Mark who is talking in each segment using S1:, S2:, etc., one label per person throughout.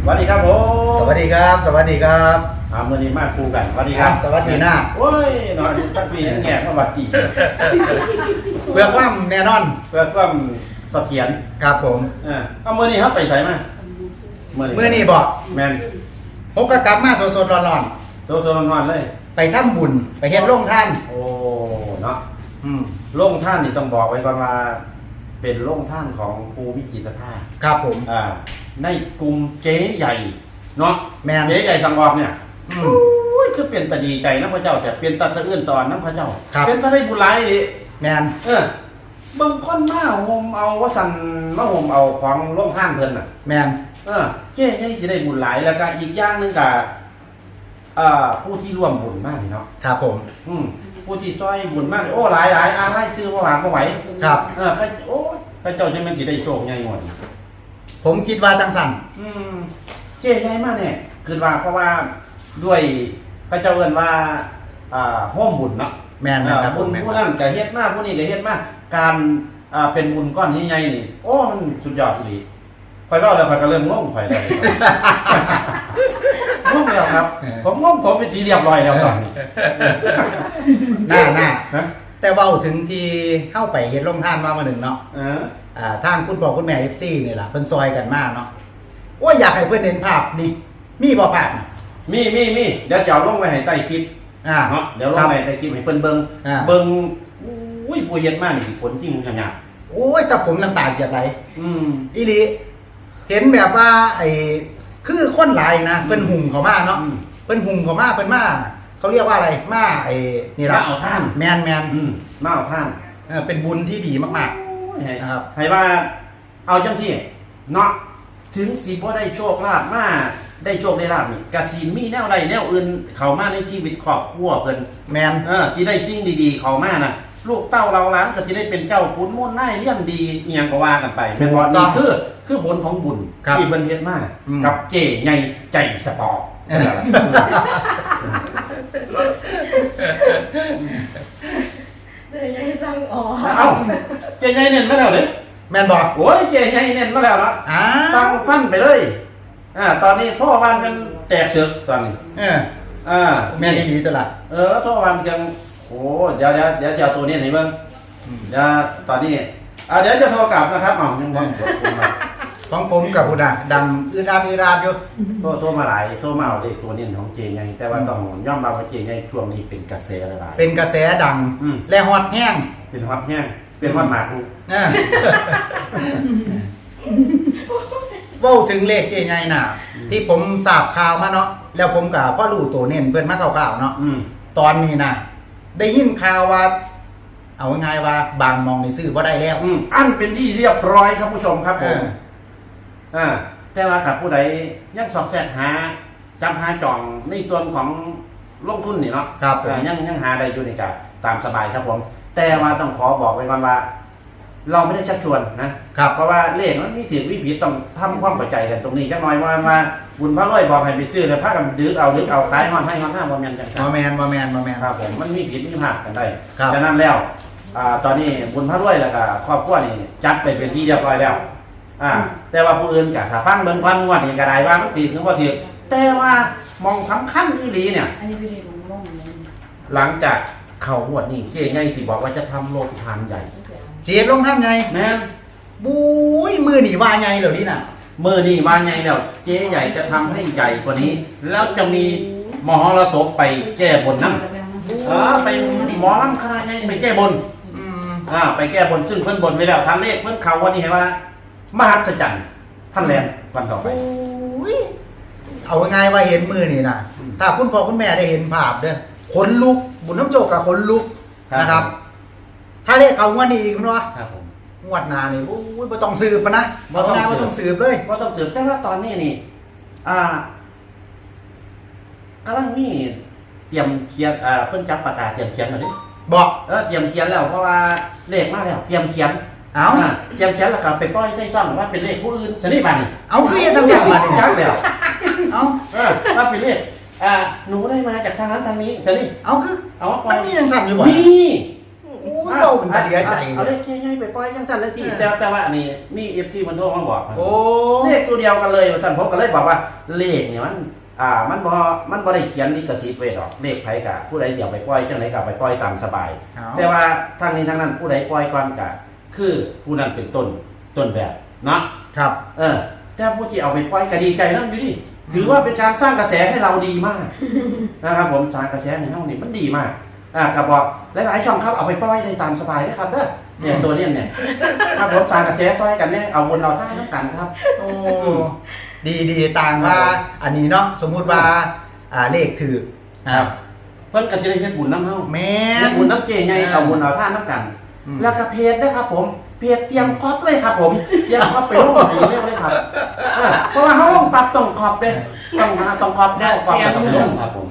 S1: วัสดีครับผม
S2: สวัสดีครับสวัสดีครับ
S1: เมื่อนี้มาคู่กันสวัสดีครับ
S2: สวัสดีหน้า
S1: โอ้ยนอนตั้งปีนั่งแง่มาวัดจี
S2: เพื่อความแน่นอน
S1: เพื่อความเสถียร
S2: ครับผม
S1: เอาเมื่อนี้ครับไปใส่มา
S2: เมื่อนี้บอก
S1: แมน
S2: ผมก็กลับมาสดๆร้อน
S1: ๆโซนอนเลย
S2: ไปทำบุญไปเฮ็ดโรงท่าน
S1: โอ้เนาะโรงท่านนี่ต้องบอกไว้ก่อนว่าเป็นโรงท่านของภูวิจิตรธาตุ
S2: ครับผม
S1: ในกลุ่มเจ๊ใหญ่เนาะ
S2: แม่น
S1: เจ๊ใหญ่สังวรเนี่ยโอ้ยคือเป็นตาดีใจนะพระเจ้าแต่เป็นตาสะอื้นสอนนะพระเจ้าเป็นตาได้บุญหลายดิ
S2: แม่น
S1: บางคนมาห่มเอาว่าสั่นมาห่มเอาของโรงท่านเพิ่นน่ะ
S2: แม่น
S1: เจ๊ใหญ่สิได้บุญหลายแล้วก็อีกอย่างนึงก็ผู้ที่ร่วมบุญมากเนาะ
S2: ครับผม
S1: ผู้ที่ซอยบุญมากโอ้หลายอะไรซื้อมาหวานมาไหว
S2: ครับ
S1: โอ้พระเจ้าจะมันสิได้โชคใหญ่หมด
S2: ผมคิดว่าจังสั่น
S1: เจ๊ใหญ่มากเนี่ยคือว่าเพราะว่าด้วยพระเจ้าเอิ้นว่าห้อมบุญเนาะ
S2: แม่นครับ
S1: บุญผู้นั้นก็เฮ็ดมากผู้นี้ก็เฮ็ดมากการเป็นบุญก้อนที่ใหญ่นี่โอ้มันสุดยอดอีหลีข่อยเล่าแล้วข่อยก็เริ่มงงข่อยแล้วงงแล้วครับผมงงผมเป็นทีเรียบร้อยแล้วตอนนี้
S2: น่าแต่เว้าถึงที่เข้าไปเฮ็ดโรงทานมาหนึ่งเนาะทางคุณพ่อคุณแม่ FC นี่ล่ะเพิ่นซอยกันมาเนาะโอ้ยอยากให้เพิ่นเห็นภาพนี่มีบ่ภาพ
S1: มีเดี๋ยวจะเอาลงไว้ให้ใต้คลิปเนาะเดี๋ยวลงไว้ใต้คลิปให้เพิ่นเบิ่งอุ้ยผู้เฮ็ดมานี่ผลที่มึงหยาบ
S2: โอ้ยแต่ผมน้ำตาเจียบไหลอีหลีเห็นแบบว่าไอ้คือคนหลายนะเพิ่นหุ่มเข้ามาเนาะเพิ่นหุ่มเข้ามาเพิ่นมาเขาเรียกว่าอะไรมาไอ้นี่ล่ะ
S1: มาเอาท่าน
S2: แมน
S1: มาเอาท่าน
S2: เป็นบุญที่ดีมากๆ
S1: นะครับให้ว่าเอาจังซี่เนาะถึงสิบ่ได้โชคลาภมาได้โชคได้ลาภนี่กะสิมีแนวใดแนวอื่นเข้ามาในชีวิตครอบครัวเพิ่น
S2: แม่น
S1: สิได้สิ่งดีๆเข้ามาน่ะลูกเต้าเราหลานก็สิได้เป็นเจ้าขุนมูลนายเลี้ยงดีอีหยังก็ว่ากันไปเป็นว่านี่คือผลของบุญที่เพิ่นเฮ็ดมากับเจ๊ใหญ่ใจสปอร์ต
S3: เจ๊ใหญ่สั่งอ๋อ
S1: เจ๊ใหญ่เน้นมาแล้วเด้
S2: แม่นบอก
S1: โอ้ยเจ๊ใหญ่เน้นมาแล้วเนาะสั่งฟันไปเลยตอนนี้โทรวันกันแตกเสือกตอนนี้
S2: แม่ดีตลอด
S1: โทรวันกันโอ้เดี๋ยวจะเอาตัวนี้ไหนบ้างเดี๋ยวตอนนี้เดี๋ยวจะโทรกลับนะครับยังบ้าง
S2: ของผมกับคุณดังอืดอาดอยู่
S1: โทรมาหลายโทรมาเอาเลขตัวนี้ของเจไงแต่ว่าต้องย่อมรับว่าเจไงช่วงนี้เป็นกระแสหลาย
S2: เป็นกระแสดังและฮอตแห้ง
S1: เป็นฮอตแห้งเป็นฮอตหมากลูก
S2: ว่าถึงเลขเจไงน่ะที่ผมทราบข่าวมาเนาะแล้วผมกับพ่อรู้ตัวเน้นเพื่อนมาข่าวๆเนาะตอนนี้นะได้ยินข่าวว่าเอาง่ายว่าบางมองในซื้อว่าได้แล้ว
S1: อันเป็นที่เรียบร้อยครับผู้ชมครับผมแต่ว่าขับผู้ใดยังสอบแสกหาจำหาจ่องในส่วนของลงทุนนี่เนาะ
S2: ครับ
S1: ยังหาได้อยู่ในการตามสบายครับผมแต่ว่าต้องขอบอกไว้ก่อนว่าเราไม่ได้ชักชวนนะครับเพราะว่าเลขมันมีถือวิผิดต้องทำความเข้าใจกันตรงนี้จักหน่อยว่าบุญพระร้อยบอกให้ไปซื้อแล้วพากันดึกเอาขายฮอนให้ฮอนห้าบ่แม่นจัง
S2: บ่แม่น
S1: ครับผมมันมีผิดมีพลาดกันได้ฉะนั้นแล้วตอนนี้บุญพระร้อยแล้วก็ครอบครัวนี่จัดไปเป็นที่เรียบร้อยแล้วแต่ว่าผู้อื่นก็ถ้าฟังเบิ่งก่อนงวดนี้ก็ได้ว่ามันถือถึงบ่ถือแต่ว่ามองสำคัญอีหลีเนี่ยหลังจากเข้างวดนี้เจ๊ไงสิบอกว่าจะทำโรงทานใหญ่
S2: เจี๊ยบลงทำไง
S1: แม่
S2: บุ้ยมือหนีว่าไงเหรอนี่น่ะ
S1: มือนี่ว่าไงแล้วเจ๊ใหญ่จะทำให้ใหญ่กว่านี้แล้วจะมีมหรสพไปแก้บนน้ำไปหมอลำคณะไงไปแก้บนไปแก้บนซึ่งเพิ่นบนไว้แล้วทางเลขเพิ่นเขาวันนี้เห็นว่ามหัศจรรย์พันแรมวันต่อไป
S2: เอาง่ายว่าเห็นมือนี่นะถ้าคุณพ่อคุณแม่ได้เห็นภาพเด้อขนลุกบุญน้ำโจกกับขนลุกนะครับถ้าเลขเขางวดนี้อีกมั้ยวะงวดหน้านี่โอ้ยบ่ต้องสืบนะบ่ต้องสืบเลย
S1: บ่ต้องสืบแต่ว่าตอนนี้นี่กำลังมีเตรียมเขียนเพิ่นจับปากกาเตรียมเขียนแล้วดิ
S2: บอก
S1: เตรียมเขียนแล้วเพราะว่าเลขมาแล้วเตรียมเขียนเตรียมเขียนแล้วก็ไปปล่อยใส่ซ่องว่าเป็นเลขผู้อื่นชนิดบัดนี้
S2: เอาคือจะทำอย่างบัดนี้
S1: จักแล้วว่าเป็นเลขหนูได้มาจากทางนั้นทางนี้ชนิด
S2: เอาคือ
S1: เอา
S2: มันมีอย่างสั่นอยู่บ่
S1: มี
S2: โอ้เป็นตาเสียใจ
S1: เอาเลขใหญ่ๆไปปล่อยจังซั่นจังซี่แต่ว่าอันนี้มี FT มันโทรมาบอก
S2: โอ้
S1: เลขตัวเดียวกันเลยว่าซั่นผมก็เลยบอกว่าเลขเนี่ยมันบ่ได้เขียนลิขสิทธิ์ไว้ดอกเลขไผกะผู้ใดสิเอาไปปล่อยจังไดก็เอาไปปล่อยตามสบาย แต่ว่าทางนี้ทางนั้นผู้ใดปล่อยก่อนก็คือผู้นั้นเป็นต้นแบบเนาะ
S2: ครับ
S1: แต่ผู้ที่เอาไปปล่อยก็ดีใจนำอยู่นี่ถือว่าเป็นการสร้างกระแสให้เราดีมากนะครับผมสร้างกระแสให้เรานี่มันดีมากก็บอกหลายๆช่องครับเอาไปปล่อยได้ตามสบายนะครับเนี่ยตัวเนี่ยครับผมสร้างกระแสซอยกันเนี่ยเอาบนเราท่าน้ำกันครับ
S2: โอ้ดีต่างว่าอันนี้เนาะสมมุติว่าเลขถือ
S1: ครับเพิ่นก็จะได้เฮ็ดบุญน้ำเฮา
S2: แม่
S1: เฮ็ดบุญน้ำเจไงเอาบุญเอาท่าน้ำกัน แล้วก็เพจนะครับผมเพจเตรียมก๊อปเลยครับผมเตรียมก๊อปไปลงอย่างนี้เลยครับเพราะว่าเขาลงปรับต้องก๊อปเลยต้องก๊อปแล้วก๊อปแล้วต้องลงครับผม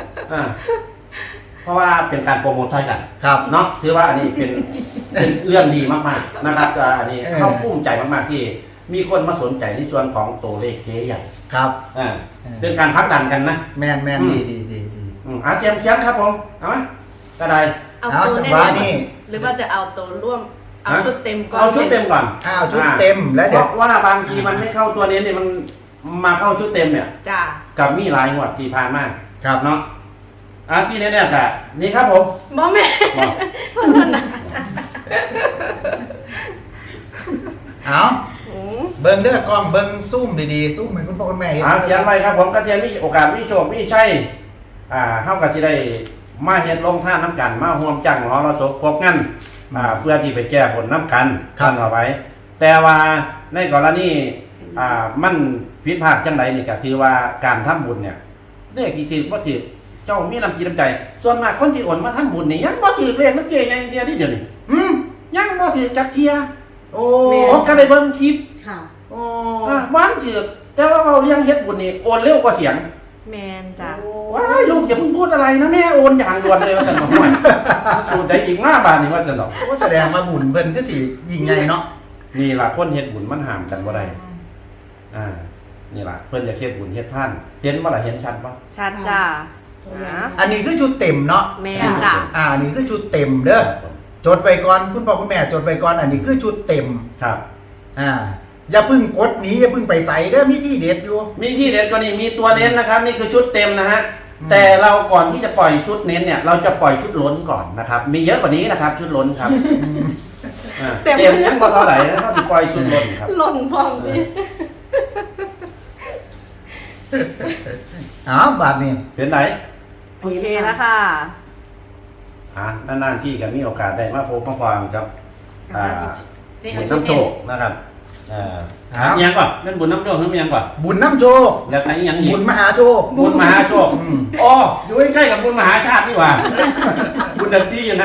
S1: เพราะว่าเป็นการโปรโมทใช่กัน
S2: ครับ
S1: เนาะถือว่าอันนี้เป็นเรื่องดีมากๆนะครับอันนี้เขาภูมิใจมากๆที่มีคนมาสนใจในส่วนของตัวเลขเจ๊ใหญ่
S2: ครับ
S1: เป็นการพักดันกันนะ
S2: แม่นดีเ
S1: ตรียมเขียนครับผมเอาไหมก็ได้
S3: เอาตัว
S2: จัง
S3: แน่
S2: หวะนี่
S3: หรือว่าจะเอาตัวร่วมเอาชุดเต็มก่อน
S1: เอาชุดเต็มก่อน
S2: ชุดเต็มแล้ว
S1: เพ
S2: เดี๋ยว
S1: ราะว่าบางทีมันไม่เข้าตัวนี้เนี่ยมันมาเข้าชุดเต็มเนี่ย
S3: จ้า
S1: กับมีหลายงวดที่ผ่านมา
S2: ครับ
S1: เนาะที่แน่ๆค่ะนี่ครับผม
S3: บ่แม่
S1: บอก
S2: เอาเบิ้งเด้อกล้องเบิ้งซูมดีๆซูมเหมือนคุณพ่อคุณแม่เห็น
S1: เขียนไว้ครับผมก็จะมีโอกาสมีโชคมีชัยเฮาก็สิได้มาเฮ็ดลงท่านน้ำกันมาร่วมจังหอเราศพครบงั้นเพื่อที่ไปแก้ผลน้ำกันกันเอาไว้ แต่ว่าในกรณีมันผิดพลาดจังไดนี่ก็ถือว่าการทำบุญเนี่ยเลขที่ถือบ่ถือเจ้ามีน้ำจิตน้ำใจส่วนมากคนที่โอนมาทำบุญนี่ยังบ่ถือเลขมันเก่งอย่างเดียวนี่เดี๋ยวนี้ยังบ่ถือจักเที่ย
S2: โอ้
S1: ผมก็ได้เบิ่งคลิป
S3: ค่ะ
S2: โอ้
S1: บ้านถือแต่ว่าเราเลี้ยงเฮ็ดบุญนี่โอนเร็วกว่าเสียง
S3: แมนจ้า
S1: ว้ายลูกอย่าเพิ่งพูดอะไรนะแม่โอนอย่างด่วนเลยว่าจะหน่อยสูตรใดอีก5 บาทนี่ว่าจะหน่อย
S2: ก็แสดงมาบุญเพิ่นก็สิยิ่งใหญ่เนาะ
S1: นี่ล่ะคนเฮ็ดบุญมันห้ามกันบ่ได้นี่ล่ะเพิ่นจะเฮ็ดบุญเฮ็ดท่านเห็นบ่ล่ะเห็นชัดบ่
S3: ชัดจ้า
S2: อันนี้คือชุดเต็มเนาะ
S3: แมนจ้า
S2: อันนี้คือชุดเต็มเด้อจดไปก่อนคุณพ่อคุณแม่จดไปก่อนอันนี้คือชุดเต็ม
S1: ครับ
S2: อย่าเพึ่งกดหนีอย่าเพึ่งไปใส่เด้อมีที่เด็ดอยู่
S1: มีที่เด็ดก็นี่มีตัวเน้นนะครับนี่คือชุดเต็มนะฮะแต่เราก่อนที่จะปล่อยชุดเน้นเนี่ยเราจะปล่อยชุดล้นก่อนนะครับมีเยอะกว่านี้นะครับชุดล้นครับเต็มยังบ่เท่าไหร่นะเขาจะปล่อยชุดล้นครับ
S3: หล่นพองดิ
S2: บาทนี่
S1: เป็นไหน
S3: โอเคแล้วค่ะ
S1: นานๆที่กันมีโอกาสได้มาพบมาฟังครับบุญน้ำโชคนะครับยังก่อนนั่นบุญน้ำโชคนั่นยังก่อน
S2: บุญน้ำโชค
S1: แล้วไหนยังอีก
S2: บุญมหาโชค
S1: บุญมหาโชคอ๋ออยู่ใกล้ๆกับบุญมหาชาตินี่หว่าบุญดัชชีอยู่นะ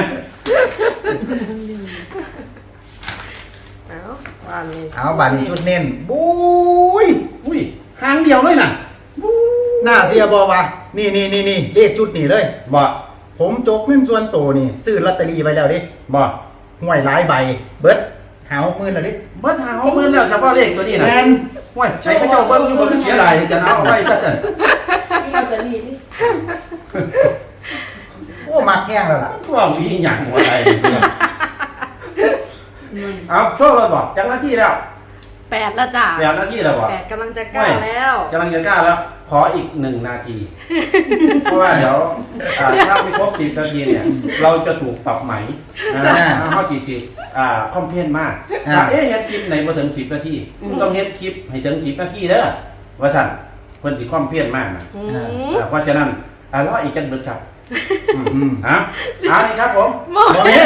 S2: บาทนี้ชุดเน้นบุ้ย
S1: อุ้ยหางเดียวเลยน่ะ
S2: หน้าเสียบอวะนี่เลขชุดนี่เลย
S1: บ่
S2: ผมจกเงินส่วนโตนี่ซื้อลอตเตอรี่ไปแล้วดิ
S1: บ่
S2: ห่วยหลายใบเบิดหา60,000แล้วดิ
S1: เบิดหา60,000แล้วเฉพาะเลขตัวนี้นะ
S2: แม่น
S1: ว้ยใช้ข้าเจ้าเบิ้งอยู่บ่คือเสียหลายจะเอาไว้ซะซั่น
S2: โอ้มักแห้งแล้วล่ะ
S1: พวกมีหยังหัวใจเอาโชคเลยบ่จังหน้าที่แล้ว
S3: 8แล้วจ้า
S1: แบบหน้าที่แล้วบ่
S3: 8กำลังจะ9แล้ว
S1: กำลังจะกล้าแล้ว ขออีก1 นาที เพราะว่าเดี๋ยวถ้าไม่ครบ10 นาทีเนี่ย เราจะถูกปรับไหมเขาจีคอมเพลนมากเฮ็ดคลิปไหนมาถึง10 นาทีต้องเฮ็ดคลิปให้ถึง10 นาทีเด้อว่าสั่นเพิ่นสิคอมเพลนมากนะเพราะฉะนั้นรออีกจังเบิดครับนี่ครับผมนี่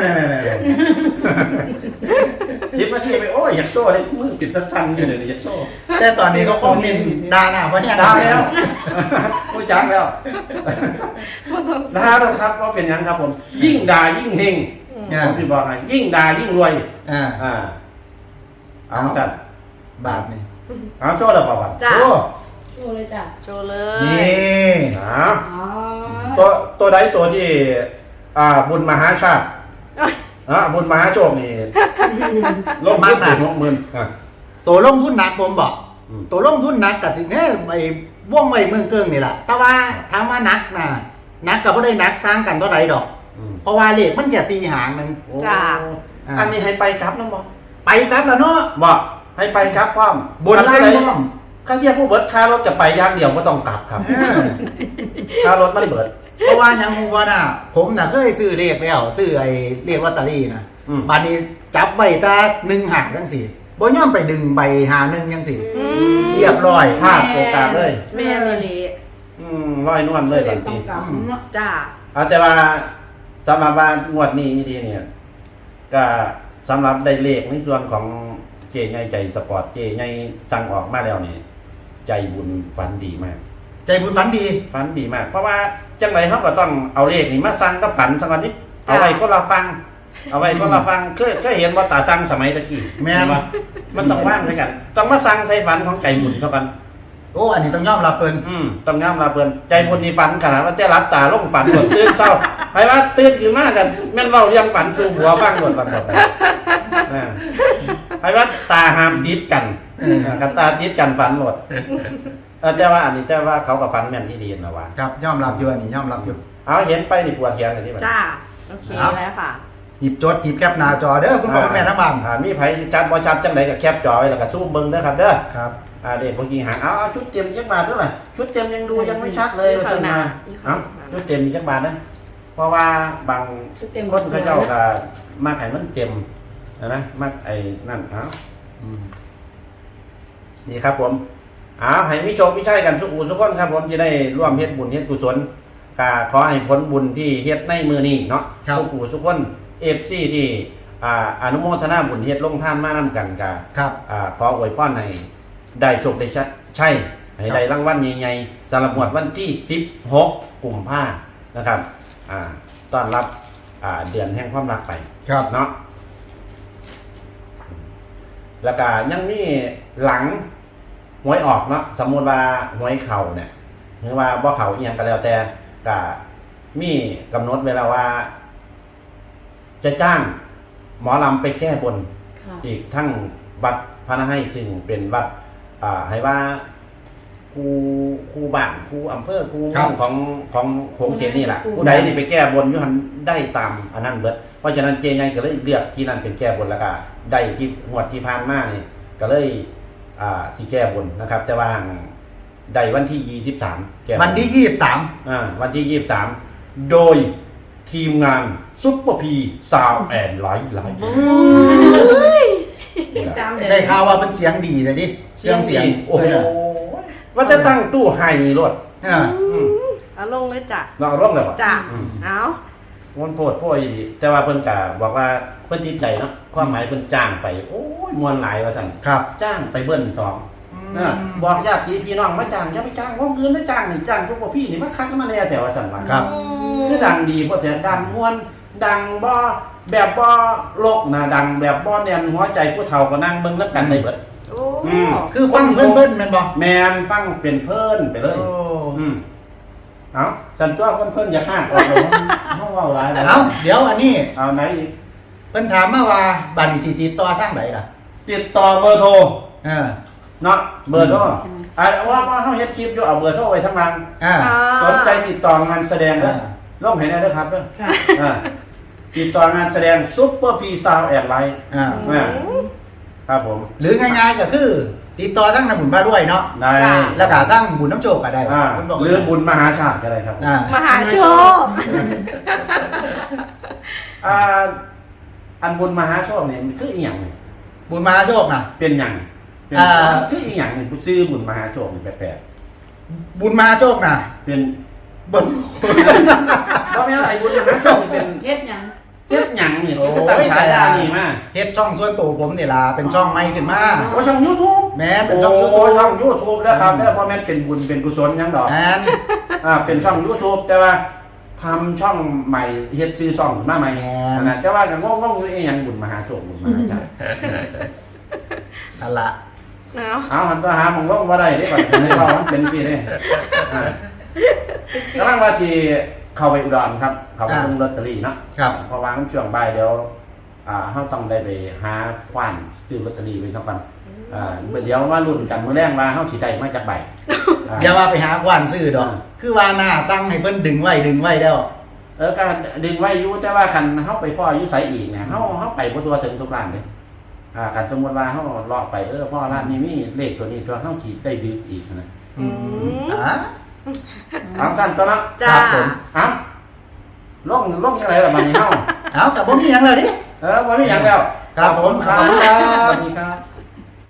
S1: 10 นาทีไปโอ้ยอยากโซ่ได้มือปิดสั้นๆอยู่เลยอยากโซ่
S2: แต่ตอนนี้เขาคอมเมนต์ด่าหน้าเพราะแห้ง
S1: ได้แล้วผู้จักแล้วด่าแล้วครับว่าเป็นยังครับผม ยิ่งด่ายิ่งเฮงผมพี่บอกให้ยิ่งด่ายิ่งรวยเอาสั่น
S2: บาทนี่
S1: เอาโชว์แล้วป่าว
S3: จ้า
S2: โอ้
S3: โชว์เลยจ้าโชว์เลย
S2: นี่
S1: ตัวใดตัวที่บุญมหาชาติบุญมหาโชคนี่ลงทุนถึง60,000
S2: ตัวลงทุนหนักผมบอกตัวลงทุนหนักกับสิ่งนี้ไปว่องไว้เมืองเกิงนี่แหละแต่ว่าถามว่านักนะนักกับบ่ได้นักต่างกันเท่าไหร่ดอกเพราะว่าเลขมันแค่4หางนึง
S1: โอ้
S3: จ้า
S1: อันนี้ให้ไปกลับนำบ่
S2: ไปครับแล้วเนาะ
S1: บ่ให้ไปกลับพร้อม
S2: บนล่างพร้อม
S1: ค่าเทียบผู้เบิดค่ารถจะไปอย่างเดียวบ่ต้องกลับครับค่ารถมันเบิด
S2: เพราะว่ายังฮู้ว่าน่ะผมน่ะเคยซื้อเลขแล้วซื้อไอ้เลขลอตเตอรี่นะ บัดนี้จับไว้แต่1หางจังซี่บ่ยอมไปดึงใบหา1จังซี่เรียบร้อย
S1: พลาดโอกาสเลย
S3: แม่นี่เลย
S1: ร้อยนวลเลยบาง
S3: ต้อ
S1: ที
S3: งกลับเนาะจ้า
S1: แต่ว่าสำหรับว่างวดนี้ดีเนี่ยก็สำหรับได้เลขในส่วนของเจใหญ่ใจสปอร์ตเจใหญ่สั่งออกมาแล้วนี่ใจบุญฝันดีมาก
S2: ใจบุญฝันดี
S1: ฝันดีมาก เพราะว่าจังไรเขาก็ต้องเอาเลขนี่มาสั่งกับฝันสักวันนี้เอาไว้คนเราฟัง เอาไว้คนเราฟังเคยเห็นว่าตาสั่งสมัยตะกี้
S2: แม่น
S1: ว่ามันต้องว่างใช่กันต้องมาสั่งใส่ฝันของใจบุญสักวัน
S2: โอ้อันนี้ต้องยอมรับเพิ่น
S1: ต้องย้ำลาเพิ่นใจบุญนี่ฝันขนาดว่าแต่รับตาลงฝันหมดตื่นเช้าไปว่าตื่นขึ้นมากันแม่นเว้าเรื่องฝันสู่หัวฟังหมดฝันหมดไปว่าตาห้ามติดกันกันตาติดกันฝันหมดแต่ว่าอันนี้แต่ว่าเขากับฝันแม่นที่ดีนะว่า
S2: ครับยอมรับอยู่อันนี้ยอมรับอยู่
S1: เอาเห็นไปนี่ปวดเทียนเลยที่มัน
S3: จ้า โอเคแล้วค่ะ
S2: หยิบจดหยิบแคปหน้าจอเด้อคุณพ่อคุณแม่ทั้งบ้าน
S1: มีไผชัดบ่ชัดจังไดก็แคปจอไว้แล้วก็ซูมเบิ่งเด้อครับเด้อ
S2: ครับ
S1: เด็กบางทีหาเอาชุดเต็มจักบาทเท่าไหร่ชุดเต็มยังดูยังไม่ชัดเลยว่าซั่นมาชุดเต็มมีจักบาทนะเพราะว่าบางคนเขาเจ้าก็มาขายมันเต็มนะมาไอ้นั่นนี่ครับผมให้มิโชคมิชัยกันสุขุสุขคนครับผมจะได้ร่วมเฮ็ดบุญเฮ็ดกุศลก็ขอให้ผลบุญที่เฮ็ดในมือนี้เนาะสุขุสุขคนFC ที่อนุโมทนาบุญเฮ็ดลงทานมานํกันก็
S2: ครับ
S1: ขออวยพรให้ได้โชคได้ใช่ให้ได้รางวัลใหญ่ๆสำหรับงวดวันที่16กุมภาพันธ์นะครับต้อนรับเดือนแห่งความรักไป
S2: ครับ
S1: เนาะแล้วก็ยังมีหลังหวยออกเนาะสมมุติว่าหวยเข่าเนี่ยหรือว่าบ่เข่าอีหยังก็แล้วแต่ก็มีกำหนดเวลาว่า จะจ้างหมอลำไปแก้บนอีกทั้งวัดพระนให้จึงเป็นวัดให้ว่าครูบ้านครูอำเภอครูของโขงเขตนี่แหละผู้ใดนี่ไปแก้บนอยู่หันได้ตามอันนั้นเบิดเพราะฉะนั้นเจใหญ่ก็เลยเลือกที่นั่นเป็นแก้บนแล้วก็ได้ที่งวดที่ผ่านมานี่ก็เลยที่แก้บนนะครับ แต่ว่าได้วันที่23แก้บน
S2: วันที่23
S1: วันที่23โดยทีมงานซุปเปอร์พีซาวแอนไลท์
S2: ได้ข่าวว่าเป็นเสียงดีเลยดิเสียง
S1: โอ้โหว่าจะตั้งตู้ไฮรถ
S3: เอาลงเลยจ้ะ
S1: เราร่วมเลยป่ะ
S3: จ้ะเอา
S1: มันโพดพ่อดีแต่ว่าเพิ่นกะบอกว่าเพิ่นติดใจเนาะความหมายเพิ่นจ้างไปโอ้ยมวลหลายว่าสั่นจ้างไปเบิ้ล2บอกญาติพี่น้องมาจ้างจะไปจ้างวงเงินได้จ้างนี่จ้างพวกพี่นี่มาคัดมาแน่แต่ว่าสั่นว่าคือดังดีเพราะแต่ดังมวลดังบ่แบบบ่โลกนะดังแบบบ่แน่นหัวใจผู้เฒ่าก็นั่งเบิ่งนำกันได้เบิด
S2: คือฟังเพิ่นแม่นบ่
S1: แม่นฟังเป็นเพิ่นไปเลยเอาฉันตัวเพิ่นอย่าห้างออกเลยเฮาเว้าหลาย
S2: เอาเดี๋ยวอันนี้
S1: เอาไหนอีก
S2: เพิ่นถามมาว่าบัดนี้สิติดต่อทางไหนล่ะ
S1: ติดต่อเบอร์โทรเนาะเบอร์โทรว่าเฮาเฮ็ดคลิปอยู่เอาเบอร์โทรไว้ทั้งนั้นสนใจติดต่องานแสดงเด้อลงให้ได้เด้อครับเด้อติดต่องานแสดงซุปเปอร์พีซาวแอนไลท์ครับผม
S2: หรือง่ายๆก็คือติดต่อทั้งนำบุญมาด้วยเนาะ
S1: ได้
S2: แล้วก็ทั้งบุญน้ำโชคก็ได้
S1: หรือบุญมหาชาติก็ได้ครับ
S3: มหาโชค
S1: อันบุญมหาโชคเนี่ยมันคืออีหยังเนี่ย
S2: บุญมหาโชคนะ
S1: เป็นหยังคืออีหยังเนี่ยชื่อบุญมหาโชคนี่แปลก
S2: บุญมหาโชคนะ
S1: เป็นบุญเพราะไม่อะไรบุญมหาโชคเป็น
S3: เฮ็ดหยัง
S1: นี่คือตั้งฉายานี่มา
S2: เฮ็ดช่องส่วนตัวผมนี่ล่ะเป็นช่องใหม่ขึ้นมา
S1: ช่อง YouTube
S2: แม่เป็นช่อง YouTube
S1: ช่อง YouTube นะครับแล้วพอแม่นเป็นบุญเป็นกุศลหยังดอกเป็นช่อง YouTube แต่ว่าทำช่องใหม่เฮ็ดชื่อช่องขึ้นมาใหม่นะจะว่ากันงงๆอีหยังบุญมหาโชคบุญมหาชาติ
S2: นั่นล่ะ
S1: เอาหันตัวหาหม่องลงบ่ได้เด้บัดนี้ว่ามันเป็นสิเด้กำลังว่าที่เข้าไปอุดรครับเข้าไปลงลอตเตอรี่เนาะเพราะว่ามันช่วงบ่ายเดี๋ยวเฮาต้องได้ไปหาควานซื้อลอตเตอรี่ไว้สักวันเดี๋ยวว่ารุ่นกันมื้อแรงว่าเฮาสิได้มาจากใบ
S2: อย่าว่าไปหาควานซื้อดอกคือว่าหน้าสั่งให้เพิ่นดึงไว้แล้ว
S1: การดึงไว้อยู่แต่ว่าคันเฮาไปพ่ออยู่ไสอีกเนี่ยเฮาไปบ่ตัวถึงทุกร้านเด้คันสมมุติว่าเฮาเลาะไปพ่อร้านนี้มีเลขตัวนี้ตัวเฮาสิได้ดึกอีกนะ
S3: อืม
S1: ถามสั้นตัวเนาะ
S3: จ้า
S2: ครับผม
S1: ลงยังไงล่ะบัดนี้เฮา
S2: เอากับบ่มีหยังเลยดิ
S1: บ่มีหยังแล้ว
S2: ครับผม
S1: ครับ
S2: ขอบคุณครับ
S1: สวัสดีครับ